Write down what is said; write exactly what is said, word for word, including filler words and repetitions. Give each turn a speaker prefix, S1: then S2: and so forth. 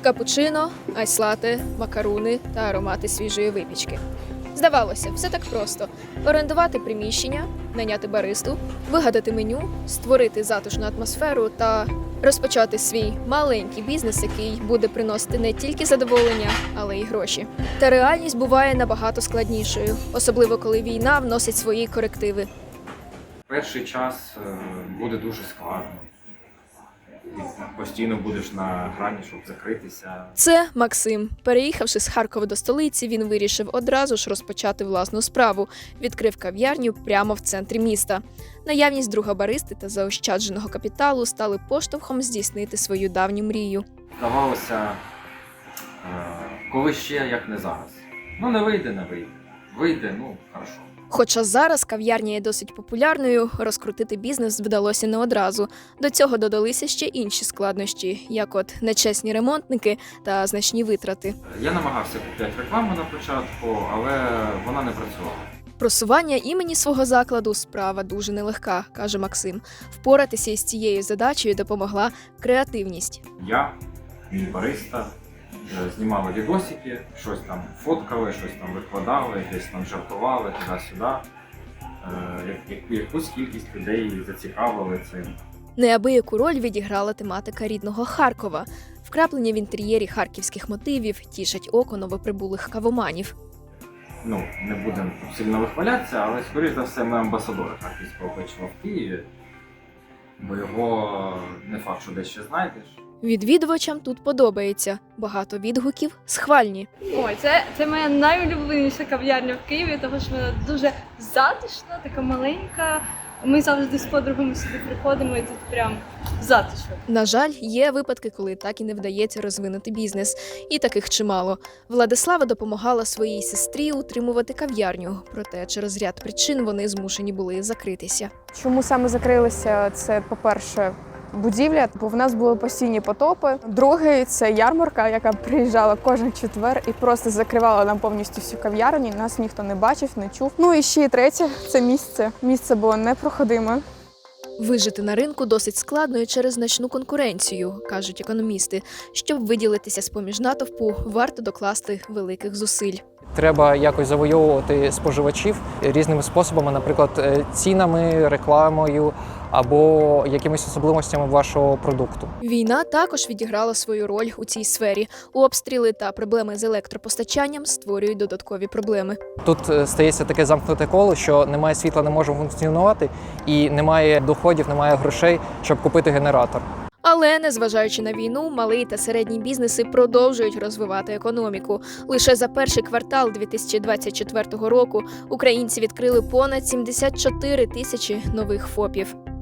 S1: Капучино, айс-лате, макаруни та аромати свіжої випічки. Здавалося, все так просто: орендувати приміщення, найняти баристу, вигадати меню, створити затишну атмосферу та розпочати свій маленький бізнес, який буде приносити не тільки задоволення, але й гроші. Та реальність буває набагато складнішою, особливо коли війна вносить свої корективи.
S2: Перший час е, буде дуже складно. І постійно будеш на грані, щоб закритися.
S1: Це Максим. Переїхавши з Харкова до столиці, він вирішив одразу ж розпочати власну справу. Відкрив кав'ярню прямо в центрі міста. Наявність друга баристи та заощадженого капіталу стали поштовхом здійснити свою давню мрію.
S2: Здавалося, е, коли ще, як не зараз. Ну не вийде, не вийде. Вийде, ну, хорошо.
S1: Хоча зараз кав'ярня є досить популярною, розкрутити бізнес вдалося не одразу. До цього додалися ще інші складнощі, як от нечесні ремонтники та значні витрати.
S2: Я намагався купити рекламу на початку, але вона не працювала.
S1: Просування імені свого закладу – справа дуже нелегка, каже Максим. Впоратися із цією задачею допомогла креативність.
S2: Я, мій бариста, е, знімали відосики, щось там фоткали, щось там викладали, десь там жартували, туди-сюди. Е, як- як- Якусь кількість людей зацікавили цим.
S1: Неабияку роль відіграла тематика рідного Харкова. Вкраплення в інтер'єрі харківських мотивів тішать око новоприбулих кавоманів.
S2: Ну, не будемо сильно вихвалятися, але, скоріш за все, ми амбасадори харківського печива в Києві, бо його не факт, що десь ще знайдеш.
S1: Відвідувачам тут подобається. Багато відгуків схвальні.
S3: Ой, це, це моя найулюбленіша кав'ярня в Києві, тому що вона дуже затишна, така маленька. Ми завжди з подругами сюди приходимо і тут прям затишно.
S1: На жаль, є випадки, коли так і не вдається розвинути бізнес. І таких чимало. Владислава допомагала своїй сестрі утримувати кав'ярню, проте через ряд причин вони змушені були закритися.
S4: Чому саме закрилися? Це, по-перше, будівля, бо в нас були постійні потопи. Другий – це ярмарка, яка приїжджала кожен четвер і просто закривала нам повністю всю кав'ярню. Нас ніхто не бачив, не чув. Ну і ще й третє – це місце. Місце було непроходиме.
S1: Вижити на ринку досить складно і через значну конкуренцію, кажуть економісти. Щоб виділитися з-поміж натовпу, варто докласти великих зусиль.
S5: Треба якось завойовувати споживачів різними способами, наприклад, е, цінами, рекламою або якимись особливостями вашого продукту.
S1: Війна також відіграла свою роль у цій сфері. Обстріли та проблеми з електропостачанням створюють додаткові проблеми.
S5: Тут е, стається таке замкнуте коло, що немає світла, не може функціонувати, і немає доходів, немає грошей, щоб купити генератор.
S1: Але, незважаючи на війну, малий та середній бізнеси продовжують розвивати економіку. Лише за перший квартал дві тисячі двадцять четвертого року українці відкрили понад сімдесят чотири тисячі нових ФОПів.